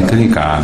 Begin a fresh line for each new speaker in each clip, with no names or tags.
많으니까.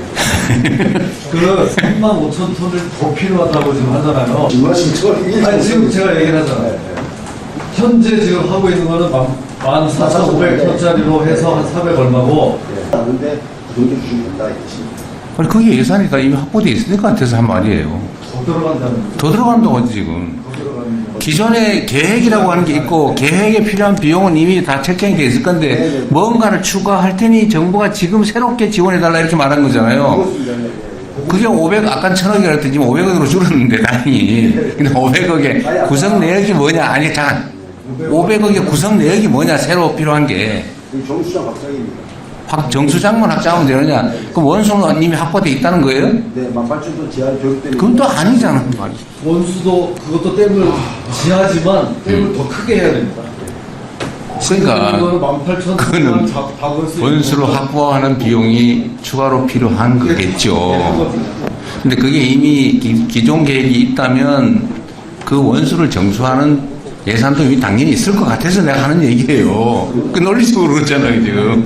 그 35,000톤을 더 필요하다고 지금 하잖아요. 아니, 지금 제가 얘기를 하잖아요. 현재 지금 하고 있는 거는 14,500톤짜리로 해서 한 400 얼마고.
하는데 그 정도 주시면 된다 이것이.
아니, 그게 예산이 다 이미 확보되어 있을 것 같아서 한 말이에요.
더 들어간다는 거죠.
더 들어간다고 하지, 지금.
더 들어가는 거.
기존에 계획이라고 하는 게 있고, 계획에 필요한 비용은 이미 다 책정이 되어 있을 건데, 뭔가를 추가할 테니 정부가 지금 새롭게 지원해달라 이렇게 말한 거잖아요. 그게 500, 아까 1,000억이라 했더니 지금 500억으로 줄었는데, 다행히. 근데 500억의 구성 내역이 뭐냐? 아니, 잠깐. 500억의 구성 내역이 뭐냐? 새로 필요한 게.
정수장 확장입니다.
정수장만 확장하면 되느냐? 그럼 원수는 이미 확보되어 있다는 거예요?
네, 18,000톤 지하 교육되는.
그건 또 아니잖아.
원수도 그것도 댐을 지하지만 댐을 더 크게 해야 됩니다.
그러니까 그거는 원수로 확보하는 비용이 추가로 필요한 거겠죠. 근데 그게 이미 기존 계획이 있다면 그 원수를 정수하는 예산도 이미 당연히 있을 것 같아서 내가 하는 얘기예요. 그 논리적으로 그렇잖아요, 지금.